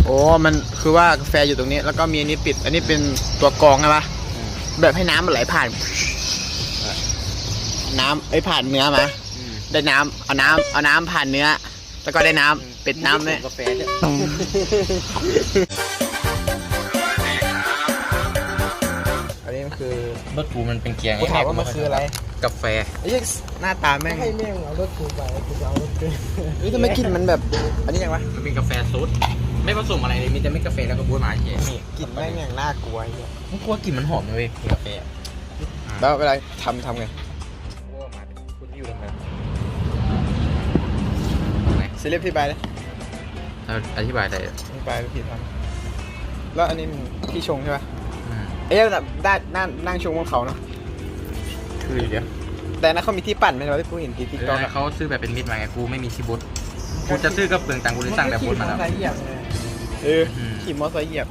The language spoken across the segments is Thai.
โอ้มันคือว่ากาแฟอยู่ตรงนี้แล้วก็มีอันนี้ปิดอันนี้เป็นตัวกรองใช่ปะแบบให้น้ำมันไหลผ่านน้ำผ่านเนื้อมาได้น้ำเอาน้ำผ่านเนื้อแล้วก็ได้น้ำเป็ดน้ำเนี่ยกาแฟเนี่ยอันนี้มันคือรถกูมันเป็นเกียร์ไงกูถามว่ามันคืออะไรกาแฟไอ้หน้าตาแม่งให้แม่งเอารถกูไปกูจะเอารถกูนี่ทำไมกลิ่นมันแบบอันนี้ยังวะมันเป็นกาแฟซูดไม่ผสมอะไรเลยมีแต่ไม่กาแฟแล้วก็บ๊วยมาเฉยกลิ่นแม่งอย่างน่ากลัวไอ้เนี่ยมึงกลัวกลิ่นมันหอมนะเว้ยกาแฟแล้วเวลาทำไงคุณอยู่ตรงไหนเซเลบที่ใบเลยอธิบายได้ที่ใบพี่ทำแล้วอันนี้พี่ชงใช่ปะเอ๊ะแบบได้นั่งชงบนเขาเนาะคือเดี๋ยวแต่นั้นเขามีที่ปั่นไหมเราที่กูเห็นที่ติ๊กต็อกเขาซื้อแบบเป็นมิตรมาไงกูไม่มีชิบุตกูจะซื้อก็เปลืองตังค์กูเลยสั่งแบบบุตรมาแล้วขี่มอเตอร์ไซค์เหยียบ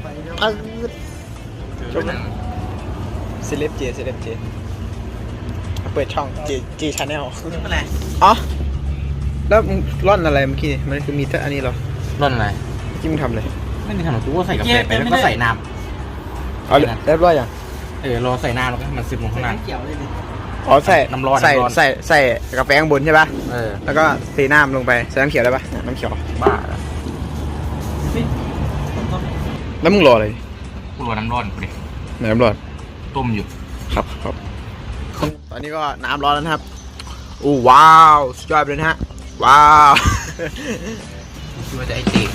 ชมเซเลบเจเปิดช่องเจชาแนลอะไรอ๋อแล้วมึงร่อนอะไรเมื่อกี้มันคือมีแต่อันนี้เหรอร่อนอะไรเมื่อกี้มึงทำอะไรไม่มีทำหรอกกูก็ใส่กาแฟไปแล้วก็ใส่น้ำเอาเรียบร้อยยังรอใส่น้ำแล้วก็มันซึมลงข้างล่างอ๋อใส่น้ำร้อนใส่กาแฟข้างบนใช่ป่ะแล้วก็เทน้ำลงไปใส่น้ำเขียวได้ป่ะน้ำเขียวบ้าแล้วมึงรออะไรกูรอน้ำร้อนกูดิน้ำร้อนต้มอยู่ครับตอนนี้ก็น้ำร้อนแล้วนะครับอู้ว้าวสุดยอดเลยนะฮะว้าวคิดว่าจะไอติ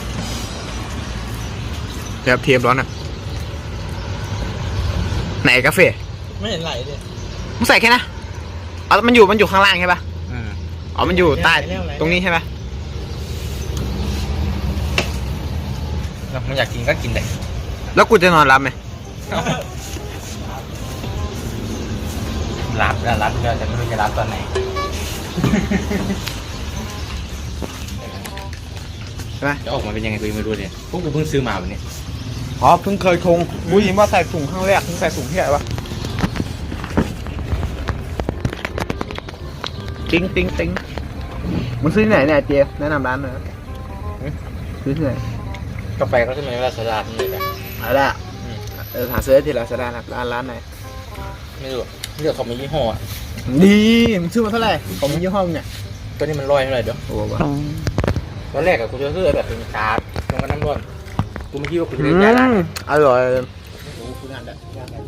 แบบเทียมร้อนอ่ะไหนกาแฟไม่เห็นไหลเลยมึงใส่แค่นะอ๋อมันอยู่ข้างล่างใช่ป่ะอ๋อมันอยู่ใต้ตรงนี้ใช่ไหมมึงอยากกินก็กินได้แล้วกูจะนอนรับไหมรับเดี๋ยวจะไม่รู้จะรับตอนไหนใช่ไหมจะออกมาเป็นยังไงกูยังไม่รู้เลยพวกกูเพิ่งซื้อมาวันนี้อ๋อเพิ่งเคยชงกูยินว่าใส่ถุงข้างแรกเพิ่งใส่ถุงที่ไหนวะติ้งมึงซื้อที่ไหนเนี่ยเจแนะนำร้านหน่อยซื้อที่ไหนกาแฟก็จะมีลาซาด้าที่นี่แหละอะไรอ่ะหาซื้อที่ลาซาด้าครับร้านไหนไม่รู้เลือกของมียี่ห้อดีมึงซื้อมาเท่าไหร่ของมียี่ห้อเนี่ยตัวนี้มัน100เท่าไหร่เดี๋ยวโอ้โหตอนแรกอะกูจะซื้อแบบเป็นชาลงกับน้ำร้อนกูไม่คิดว่ากูจะเล่นยาล้างอร่อยกูงานได้ไป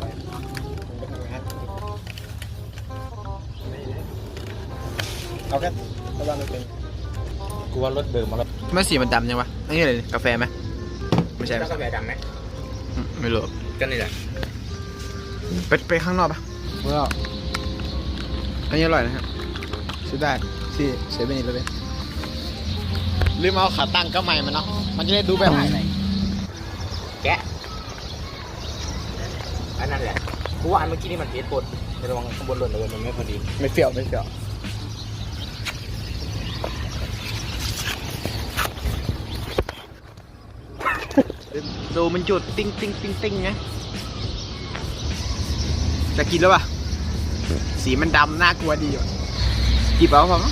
เอาแค่ระวังมันเป็นกูว่ารถเดิมมาแล้วไม่สีมันดำยังวะนี่อะไรกาแฟไหมไม่ใช่กาแฟดำไหมไม่รู้ก็นี่แหละไปข้างนอกปะว้าวอันนี้อร่อยนะฮะซื้อได้ที่เซเว่นเลยลืมเอาขาตั้งก็ใหม่มันเนาะมันจะได้ดูแบบไหนแกะอันนั้นแหละกูว่าอันเมื่อกี้นี่มันเทสปดระวังข้างบนหล่นเลยมันไม่พอดีไม่เฟี้ยวดูมันจุดติ้งไงจะกินแล้วป่ะสีมันดำน่ากลัวดีว่ะจีบเอาพอมั้ง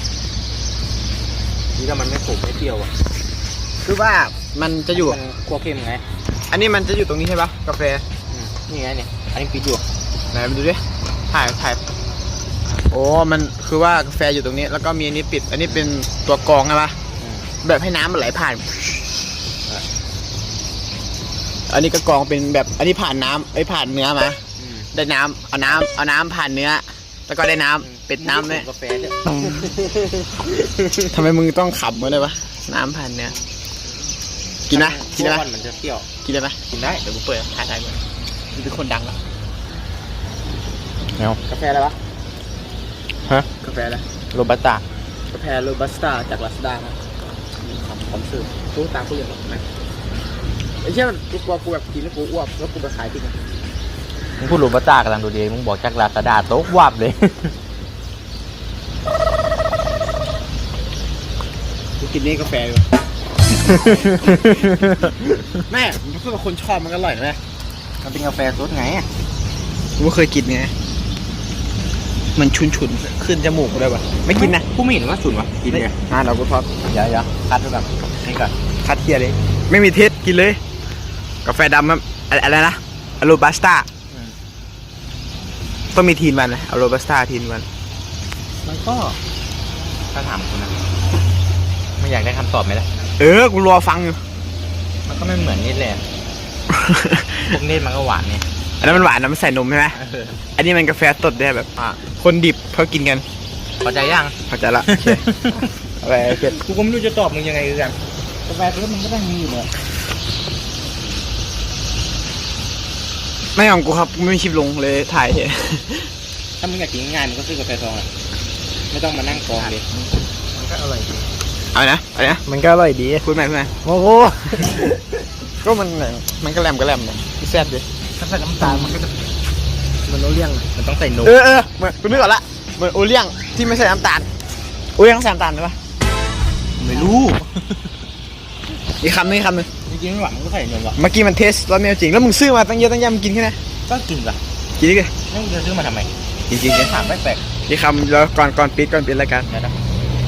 นี่ถ้ามันไม่ขมไม่เปรี้ยวอ่ะคือว่ามันจะอยู่มันคั่วเค็มไงอันนี้มันจะอยู่ตรงนี้ใช่ปะกาแฟนี่ไงเนี่ยอันนี้ปิดอยู่ไหนมาดูดิถ่ายโอ้มันคือว่ากาแฟอยู่ตรงนี้แล้วก็มีอันนี้ปิดอันนี้เป็นตัวกรองใช่ปะแบบให้น้ำมันไหลผ่านอันนี้ก็กรองเป็นแบบอันนี้ผ่านน้ำผ่านเนื้อมาได้น้ำเอาน้ำผ่านเนื้อแล้วก็ได้น้ำเป็ดน้ำเนี่ยกาแฟเนี่ยทำไมมึงต้องขับมาเลยวะน้ำผ่านเนื้อกินได้ไหมมันจะเปรี้ยวกินได้ไหมกินได้เดี๋ยวกูเปิดถ่ายก่อนมึงเป็นคนดังแล้วกาแฟอะไรวะฮะกาแฟอะไรโรบัสต้ากาแฟโรบัสต้าจากลาซาด้านะผมซื้อตู้ตามกูอย่างไรไอ้เช่นกูกลัวกูแบบกินแล้วกูอ้วกแล้วกูไปขายทิ้งมึงพูดโรบัสต้ากำลังดูดีมึงบอกจากลาซาด้าโต๊ะวับเลยกูกินนี่กาแฟเลยแม่ผมพูดว่าคนชอบมันอร่อยนะแม่มันเป็นกาแฟสดไงกูไม่เคยกินไงมันฉุนขึ้นจมูกเลยป่ะไม่กินนะกูไม่เห็นว่าฉุนวะกินไงเรากูทอดอย่าคัดด้วยแบบนี่ก่อนคัดเทียเลยไม่มีเทสกินเลย กาแฟดำครับอะไรนะอโรบัสต้าต้องมีทีนมันนะอโรบัสต้าทีนมันมันก็ถ้าถามคุณนะไม่อยากได้คำตอบไหมล่ะกูรอฟังอยู่มันก็ไม่เหมือนนิดเลยอะพวกนิดมันก็หวานเนี่ยอันนั้นมันหวานนะมันใส่นมใช่ไหมอันนี้มันกาแฟสดได้แบบ คนดิบเขากินกันพอใจยังเข้าใจละโอเคเอาไปเก็บกูก็ไม่รู้จะตอบมึงยังไงคือกันกาแฟตัวมันก็ต้องมีอยู่เลยไม่ของกูครับกูไม่มีคลิปลงเลยถ่ายเถอะถ้ามึงอยากกินง่ายๆมึงก็ซื้อกาแฟซองอะไม่ต้องมานั่งกรองดิมันก็อร่อยดีเอานะเอานะมันก็อร่อยดีพูดใหม่พูดใหม่โอ้โหก็มันก็แหลมเลยแซ่บดิถ้าใส่น้ำตาลมันก็จะมันโอเลี้ยงมันต้องใส่นมเหมือนกูนึกออกละเหมือนโอเลี้ยงที่ไม่ใส่น้ำตาลโอเลี้ยงใส่น้ำตาลได้ปะไม่รู้อีกคำนึงจริงๆไม่หวานมันก็ใส่นมหรอกเมื่อกี้มันเทสรสไม่จริงแล้วมึงซื้อมาตั้งเยอะตั้งแยะมึงกินแค่ไหนก็กินป่ะกินดิแล้วมึงจะซื้อมาทำไมจริงถามไม่แปลกอีกคำแล้วก่อนปิดรายการเดี๋ยวนะ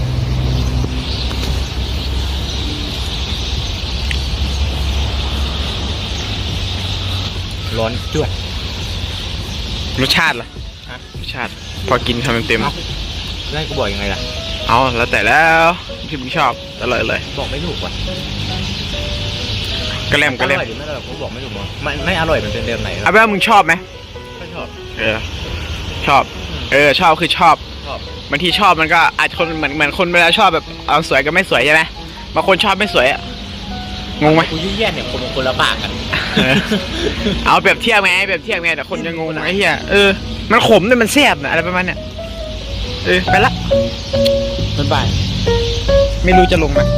ร้อนจวดรสชาติล่ะฮะรสชาติพอกินคำเต็มแล้วกูบอกยังไงล่ะๆเอาแล้วแต่แล้วที่มึงชอบอร่อยเลยบอกไม่ถูกว่ะกระแลมอร่อยหรือไม่อร่อยกูบอกไม่ถูกมั้งไม่อร่อยมันเป็นเดิมไหนเอาเป็นว่ามึงชอบไหมไม่ชอบชอบชอบคือชอบชอบบางทีชอบมันก็อาจคนเหมือนคนเวลาชอบแบบเอาสวยกับไม่สวยใช่ไหมบางคนชอบไม่สวยอะงงไหมกูยุ่งแย่เนี่ยคนละปากกันเอาเปรียบเทียบไงแต่คนจะงงไอ้เหี้ยมันขมแต่มันแซ่บนะอะไรประมาณเนี้ยไปละบ๊ายบายไม่รู้จะลงไหม